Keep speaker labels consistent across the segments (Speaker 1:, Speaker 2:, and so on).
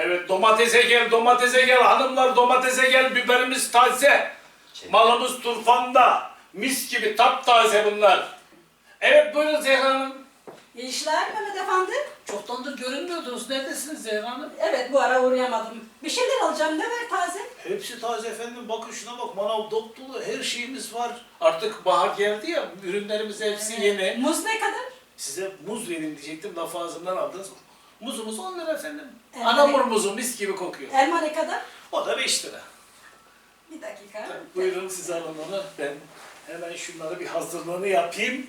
Speaker 1: Evet, domatese gel, domatese gel. Hanımlar domatese gel, biberimiz taze. Malımız turfanda. Mis gibi, taptaze bunlar. Evet, buyurun Zehra Hanım.
Speaker 2: İyi işler Mehmet Efendi.
Speaker 1: Çoktandır görünmüyordunuz. Neredesiniz Zehra Hanım?
Speaker 2: Evet, bu ara uğrayamadım. Bir şeyler alacağım, ne var taze?
Speaker 3: Hepsi taze efendim. Bakın şuna bak. Manav dop dolu. Her şeyimiz var.
Speaker 1: Artık bahar geldi ya, ürünlerimiz hepsi yeni.
Speaker 2: Muz ne kadar?
Speaker 1: Size muz vereyim diyecektim, lafı ağzımdan aldınız. Muzumuz 10 lira efendim.
Speaker 2: Evet.
Speaker 1: Anamur muzu, mis gibi kokuyor.
Speaker 2: Elma ne kadar?
Speaker 1: O da 5 lira.
Speaker 2: Bir dakika.
Speaker 1: Buyurun siz alın onu. Ben hemen şunları bir hazırlığını yapayım.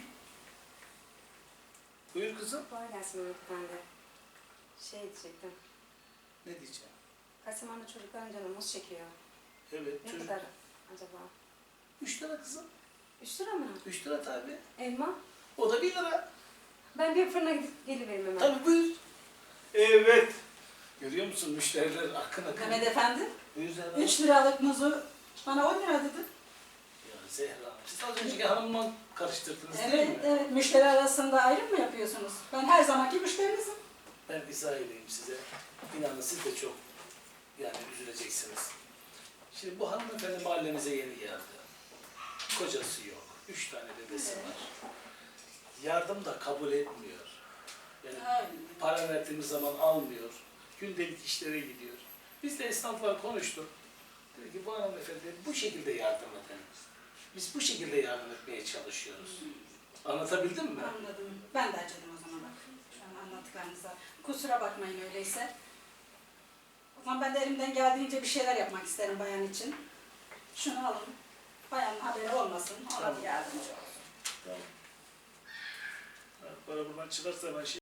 Speaker 1: Buyur kızım.
Speaker 4: Kolay gelsin Mehmet Efendi. Şey diyecektim.
Speaker 1: Ne diyeceğim?
Speaker 4: Kasımanlı çocukların canı muz çekiyor.
Speaker 1: Evet,
Speaker 4: Ne
Speaker 1: çocuk.
Speaker 4: kadar acaba?
Speaker 1: 3 lira kızım.
Speaker 4: 3 lira mı?
Speaker 1: 3 lira tabii.
Speaker 4: Elma?
Speaker 1: O da 1 lira.
Speaker 4: Ben bir fırına gidip gelivereyim hemen.
Speaker 1: Tabii buyur. Evet. Görüyor musun müşteriler akın akın.
Speaker 2: Mehmet Efendi,
Speaker 1: Buyur Zehra.
Speaker 2: 3 liralık muzu bana 10 lira dedi.
Speaker 1: Ya Zehra Hanım, siz az önceki hanımla karıştırdınız değil
Speaker 2: Evet,
Speaker 1: mi?
Speaker 2: evet. Müşteri arasında ayrım mı yapıyorsunuz? Ben her zamanki müşterinizim.
Speaker 1: Ben izah edeyim size. İnanın siz de çok yani üzüleceksiniz. Şimdi bu hanımefendi mahallemize yeni geldi. Kocası yok. 3 tane bebesi
Speaker 2: Evet.
Speaker 1: var. Yardım da kabul etmiyor. Yani
Speaker 2: Aynen.
Speaker 1: para verdiğimiz zaman almıyor. Gündelik işlere gidiyor. Biz de esnafla konuştuk. Dedi ki bu hanımefendi bu şekilde yardım edelim. Biz bu şekilde yardım etmeye çalışıyoruz. Anlatabildim mi?
Speaker 2: Anladım. Ben de acıdım o zaman bak. Şu an anlattıklarınıza. Kusura bakmayın öyleyse. O zaman ben de elimden geldiğince bir şeyler yapmak isterim bayan için. Şunu alın. Bayanın haberi olmasın. Ona
Speaker 1: Tamam.
Speaker 2: bir yardımcı olsun.
Speaker 1: Tamam. Para buradan çıkarsa ben şey